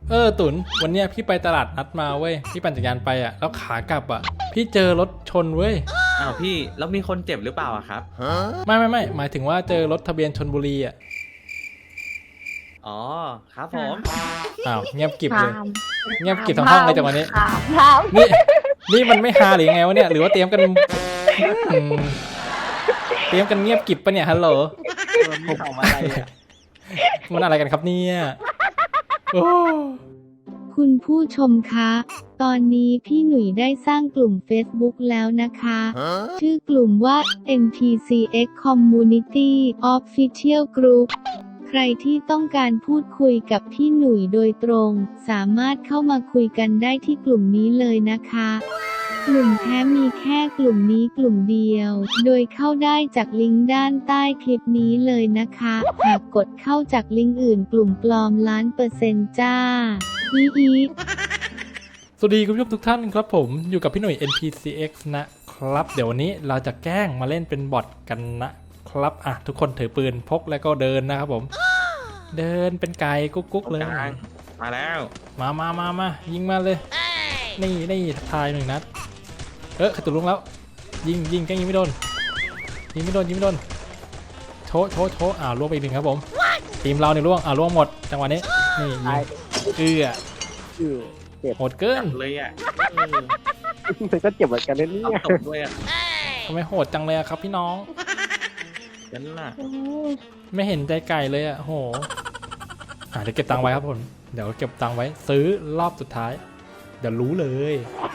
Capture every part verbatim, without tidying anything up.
เออตุนวันเนี้ยพี่ไปตลาดนัดมาเว้ยพี่ปั่นจักรยานไปอ่ะแล้วขากลับอ่ะพี่เจอรถชนเว้ยอ้าวพี่แล้วมีคนเจ็บหรือเปล่าอะครับไม่ไม่ไม่หมายถึงว่าเจอรถทะเบียนชลบุรีอ่ะอ๋อครับผมอ้าวเงียบกริบเลยถามเงียบกริบทั้งห้องเลยจากวันนี้ถามถามนี่นี่มันไม่ฮาหรือยังไงวะเนี่ยหรือว่าเตรียมกันอืมเตรียมกันเงียบกริบปะเนี่ยฮัลโหลผมเอามาอะไรอะมันอะไรกันครับเนี่ยโอ้คุณผู้ชมคะ ตอนนี้พี่หนุ่ยได้สร้างกลุ่ม Facebook แล้วนะคะ ชื่อกลุ่มว่า เอ็น พี ซี เอ็กซ์ Community Official Group ใครที่ต้องการพูดคุยกับพี่หนุ่ยโดยตรง สามารถเข้ามาคุยกันได้ที่กลุ่มนี้เลยนะคะ กลุ่มแท้มีแค่กลุ่มนี้กลุ่มเดียว โดยเข้าได้จากลิงก์ด้านใต้คลิปนี้เลยนะคะ หากกดเข้าจากลิงก์อื่นกลุ่มปลอมล้านเปอร์เซ็นต์จ้าอีอีสวัสดีคุณผู้ชมทุกท่านครับผมอยู่กับพี่หนุ่ย เอ็น พี ซี เอ็กซ์ นะครับเดี๋ยววันนี้เราจะแกล้งมาเล่นเป็นบอทกันนะครับอ่ะทุกคนถือปืนพกแล้วก็เดินนะครับผมเดินเป็นไก่กุ๊กกุ๊กเลยมาแล้วมามามามายิงมาเลยนี่นี่ทายหนึ่งนัดเออขัดตุลุงแล้วยิงยิงแกล้งยิงไม่โดนยิงไม่โดนยิงไม่โดนโชว์โชว์โชว์อ่าล่วงไปอีกหนึ่งครับผมทีมเราเนี่ยล่วงอ่าล่วงหมดจังหวะนี้นี่ยิงเอื้ออือเจ็บโหดเกินเลยอ่ะมันก็เจ็บเหมือนกันนะเนี่เอายตบด้วยอ่ะทำไมโหดจังเลยอะครับพี่น้องกันล่ะไม่เห็นใจไก่เลยอะโหอ่าเดี๋ยวเก็บตังค์ไว้ครับผมเดี๋ยวเก็บตังค์ไว้ซื้อรอบสุดท้ายเดี๋ยวรู้เลย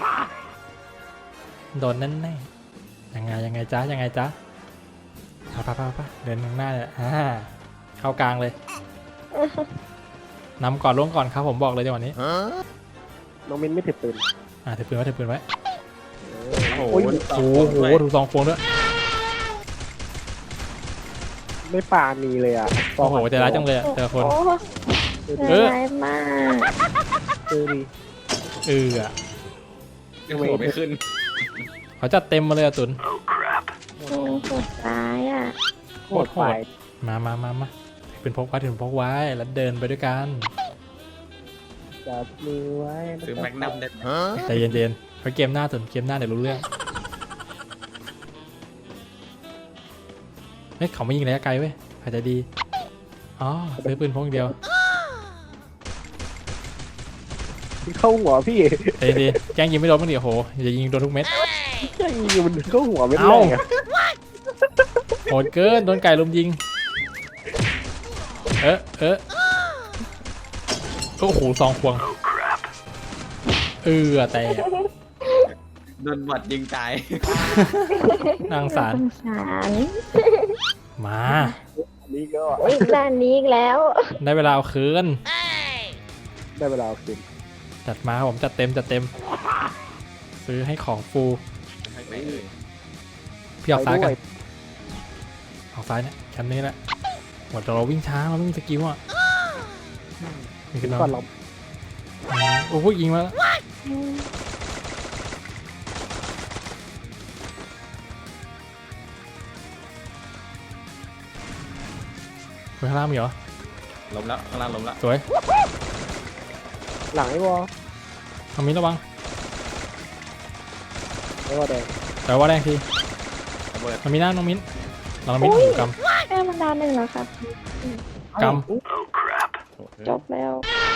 โดนแน่ๆยังไงยังไงจ๊ะยังไงจ๊ะพาพาพาพาเดินข้างหน้าเลยอ่าเข้ากลางเลยนำก่อนล่วงก่อนครับผมบอกเลยในวันนี้น้องมินไม่ถือปืนอ่าถือปืนไว้ถือปืนไว้โอ้โหโอ้ยโอ้โหถูกซองโฟนด้วยไม่ปานีเลยอ่ะโอ้โหใจร้ายจังเลยอะแต่ละคนโอ้เออร้ายมากปืนดีเอออะยังโผล่ไม่ขึ้นเขาจัดเต็มมาเลยอะตุนโอ้โหดร้ายอ่ะโหดโหดมามามามาเป็นพกไว้ถึงพกไว้แล้วเดินไปด้วยกันจับมือไว้ซื้อแมกนัมได้ใจเย็นๆเพราะเกมหน้าตุนเกมหน้าเดี๋ยวรู้เรื่องเฮ้ยเขาไม่ยิงระยะไกลเว้ยอาจจะดีอ๋อซื้อปืนพกอย่างเดียวเข้าหัวพี่ใจเย็นๆแกล้งยิงไม่โดนบ้างดิโอ้โหอย่ายิงโดนทุกเม็ดยิงมันเข้าหัวไม่ได้ไงโหดเกินโดนไก่ลุมยิงเออเออโอ้โหซองควงเออแต่โดนบอดยิงตายนางสารสงสารมานี่ก็โอ้ยด้านนี้อีกแล้วได้เวลาเอาคืนได้เวลาเอาคืนจัดมาครับผมจัดเต็มจัดเต็ม ซื้อให้ของฟูพี่ออกซ้ายกันออกซ้ายเนี่ยชั้นนี้แหละหมดแต่เราวิ่งช้าเราไม่มีสกิลอ่ะมีกันก่อนเนาะเราโอ้โหยิงมาแล้วไปข้างล่างมีเหรอล้มแล้วข้างล่างล้มแล้วสวยหลังไอ้วอลทางมิ้นระวังไอ้วอลแดงแต่ว่าแรงทีระเบิดมันมีหน้าน้องมิ้นเราน้องมิ้นถูกกแค่มันดาวหนึ่งแล้วครับำกจบแล้ว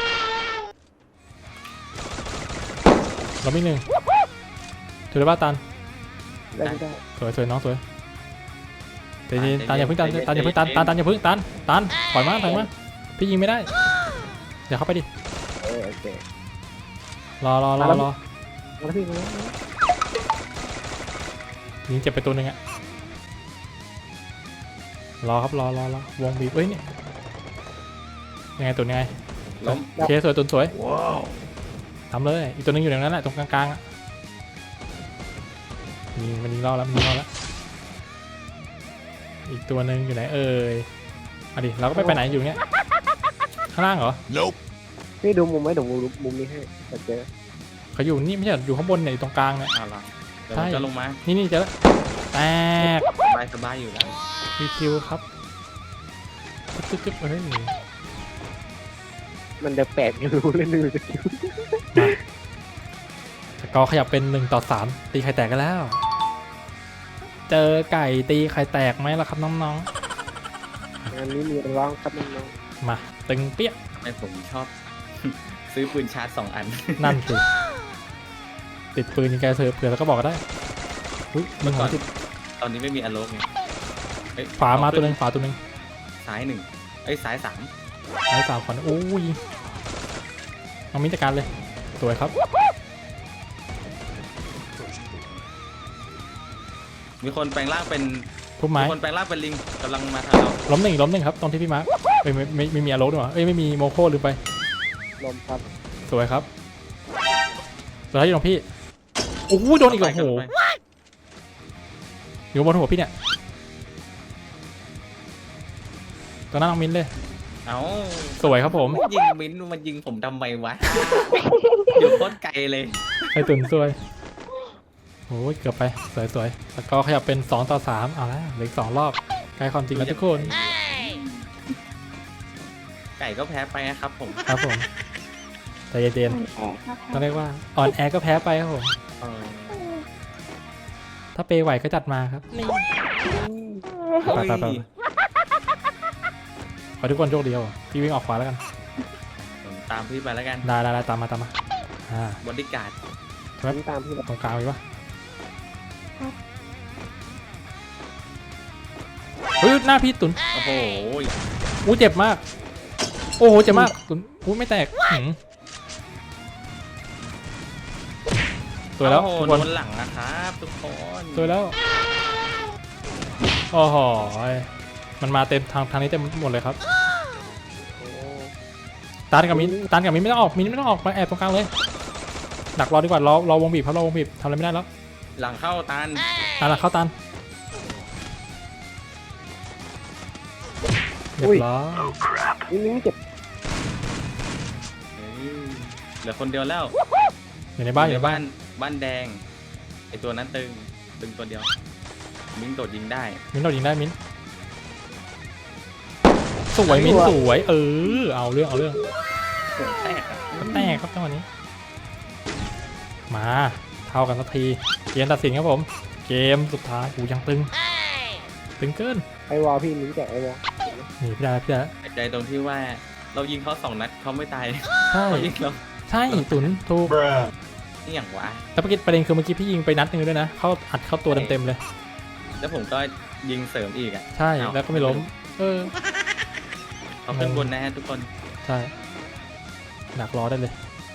ำเราไม่หนึ่งถือได้ป่ะตันได้ไม่ได้สวยสวยน้องสวยเดี๋ยวตันอย่าเพิ่งตันตันอย่าเพิ่งตันตันตันอย่าเพิ่งตันตันปล่อยมาปล่อยมาพี่ยิงไม่ได้เดี๋ยวเข้าไปดิเออโอเครอรอรอรอแล้วพี่รู้ยิงเจ็บไปตัวหนึ่งอะรอครับรอรอรอวงบีบเอ้ยนี่ยังไงตัวยังไงล้มโอเคสวยตัวสวยทำเลยอีกตัวหนึงอยู่ตรงนั้นแหละตรงกลางๆอะยิงมันยิงรอแล้วมันยิงรอแล้วอีกตัวหนึ่งอยู่ไหนเอ่ยมาดิเราก็ไม่ไปไหนอยู่เนี้ยข้างล่างเหรอพี่ดูมุมไหมเดี๋ยวมุมมุมนี้ให้แต่เจอเขาอยู่นี่ไม่ใช่อยู่ข้างบนเนี่ยอยู่ตรงกลางเนี่ยอ้าวเหรอเดี๋ยวผมจะลงมานี่นี่เจอแล้วแตกสบายสบายอยู่แล้วรีคิวครับจึ๊บจึ๊บจึ๊บเฮ้ยมันเดือแปลกไม่รู้เล่นไม่รู้จะคิวสกอร์ขยับเป็นหนึ่งต่อสามตีไข่แตกกันแล้ว เจอไก่ตีไข่แตกไหมล่ะครับน้องงานนี้มีร้องครับน้องๆมาตึงเปี้ยทำไมผมชอบ ซื้อปืนชาร์จสองอันนั่นสิติดปืนยิงไกลเสือเผื่อแล้วก็บอกก็ได้อุ้ยมึงหัวติดตอนนี้ไม่มีอโลกไงเอ้ยฝามาตัวหนึ่งฝาตัวหนึ่งซ้ายหนึ่งเอ้ยซ้ายสามไอ้สามคนโอ้ยน้องมิ้นจัดการเลยสวยครับมีคนแปลงร่างเป็นทุบไม้มีคนแปลงร่างเป็นลิงกำลังมาทางเราล้มหนึ่งล้มหนึ่งครับตรงที่พี่มาร์คเอ้ยไม่ไม่ไม่มีอารมณ์ด้วยวะเอ้ยไม่มีโมโคลืมไปๆลมครับสวยครับสุดท้ายอยู่ตรงพี่โอ้โหโดนอีกแล้วโอ้โหอยู่บนหัวพี่เนี่ยตัวนั้นน้องมิ้นเลยเอ้าสวยครับผมยิงมิ้นท์มันยิงผมทำไมวะ อยู่โคตรไกลเลยไอตุนสวยโอ้ยเกือบไปสวยสวยสกอร์ขยับเป็นสองต่อสามเอาละเหลืออีกสองรอบใกล้ความจริงแล้วทุกคนไก่ก็แพ้ไปนะครับผมครับผมใจเย็นอ่อนแอครับๆต้องเรียกว่าอ่อนแอก็แพ้ไปครับผมเออถ้าเปย์ไหวก็จัดมาครับนี่ ไปไปไป ขอทุกคนโชคดีครับผมพี่วิ่งออกขวาแล้วกันผมตามพี่ไปแล้วกันได้ได้ได้ตามมาตามมาอ่าบอดี้การ์ดผมตามพี่ตรงกลางมีปะเฮ้ยหน้าพี่ตุนโอ้โหอู้เจ็บมากโอ้โหเจ็บมากตุนอู้ไม่แตกหืมสวยแล้วโอ้โหทุกโดคนนหลังนะครับทุกคนสวยแล้วโอ้โหมันมาเต็มทางทางนี้เต็มหมดเลยครับโอ้ตันกับมินตันกับมินไม่ต้องออกมินไม่ต้องออกมาแอบตรงกลางเลยดักรอดีกว่ารอรอวงบีบครับรอวงบีบทำอะไรไม่ได้แล้วหลังเข้าตันตันละเข้าตันเรียบร้อยนี่นี่เจ็บเฮ้ยเหลือคนเดียวแล้วอยู่ในบ้านอยู่ในบ้านบ้านแดงไอตัวนั้นตึงตึงตัวเดียวมิ้งโดดยิงได้มินเรายิงได้มินสวยมินสวยเออเอาเรื่องเอาเรื่องแตกอะก็แตกครับจังหวะนี้มาเท่ากันสักทีเกมตัดสินครับผมเกมสุดท้ายกูยังตึงตึงเกินไอวอลพี่มิ้นแจกไอวอลนี่พี่ดาพี่ดาใจตรงที่ว่าเรายิงเขาสองนัดเขาไม่ตายใช่เขายิงเราใช่ตุนถูกนี่อย่างวะแต่เมื่อกี้ประเด็นคือเมื่อกี้พี่ยิงไปนัดหนึงด้วยนะเข้าอัดเข้าตัวเต็มๆเลยแล้วผมก็ยิงเสริมอีกอ่ะใช่แล้วก็ไม่ล้มเออเขาขึ้นบนนะฮะทุกคนใช่ดักรอได้เลย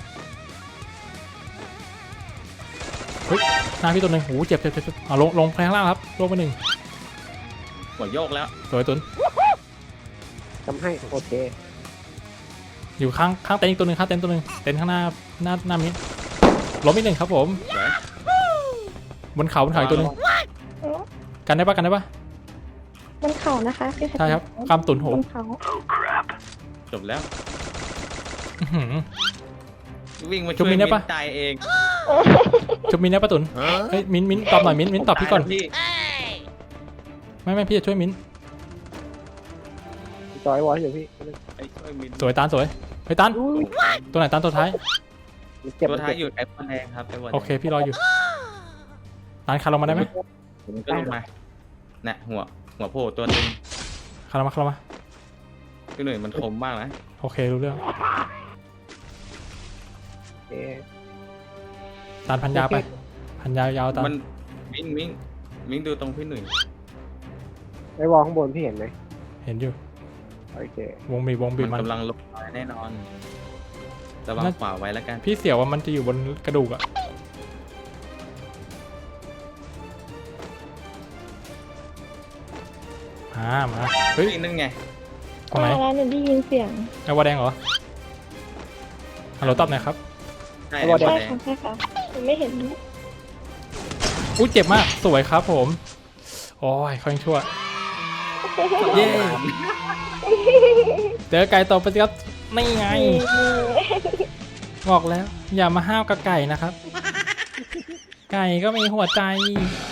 เฮ้ยหน้าพี่ตัวหนึ่งโอ้โหเจ็บเจ็บเจ็บเจ็บเอาลงลงแพงล่างครับลงไปหนึ่งหัวโยกแล้วสวยตุนทำให้โอเคอยู่ข้างข้างเต็นท์อีกตัวหนึ่งข้างเต็นท์ตัวหนึ่งเต็นท์ข้างหน้าหน้าหน้ามิดล้มอีกหนึ่งครับผมเดี๋ยวบนเขาบนเขาอีกตัวหนึ่งกันได้ปะกันได้ปะบนเขานะคะพี่เพชใช่ครับกำตุนโหบนเขาจบแล้วอื้อหือวิ่งมาจุ๊ช่บวยมินได้ปะตายเองชุบมินได้ปะตุนเฮ้ยมินมินตอบหน่อยมินมินตอบพี่ก่อนพี่ไม่ไม่พี่จะช่วยมินจอยวอลอยู่พี่ไปช่วยมินสวยตานสวยเฮ้ยตานตัวไหนตานตัวท้ายมันเจ็บตัวมันท้ายเจ็บอยู่ไอ้บอลแดงครับไอ้บอลแดงโอเคพี่รออยู่ตานคานลงมาได้ไหมผมก็ลงมาน่ะหัวหัวโผล่ตัวตึงคานลงมาคานลงมาพี่หนุ่ยมันคมมากนะโอเครู้เรื่องโอเคตานพันยาไปพันยายาวตานมันมิงมิงมิงดูตรงพี่หนุ่ยไอวอลข้างบนพี่เห็นไหมเห็นอยู่โอเควงบีบวงบีบมัมัน นกำลังลงมาแน่นอนระวังน่าขวาไว้แล้วกันพี่เสียวว่ามันจะอยู่บนกระดูกอะมามาเฮ้ยนี่นั่นไงตรงไหนมาแล้วหนูได้ยินเสียงไอ้วาแดงเหรอฮัลโหลตอบหน่อยครับใช่ไอ้บอลใช่แดงค่ะใช่ค่ะหนูไม่เห็นอุ้ยเจ็บมากสวยครับผมโอ้ยค่อยชั่วเย้เจอไก่ต่อไปสิครับนี่ไงบอกแล้ว อย่ามาห้าวกับไก่นะครับ ไก่ก็มีหัวใจ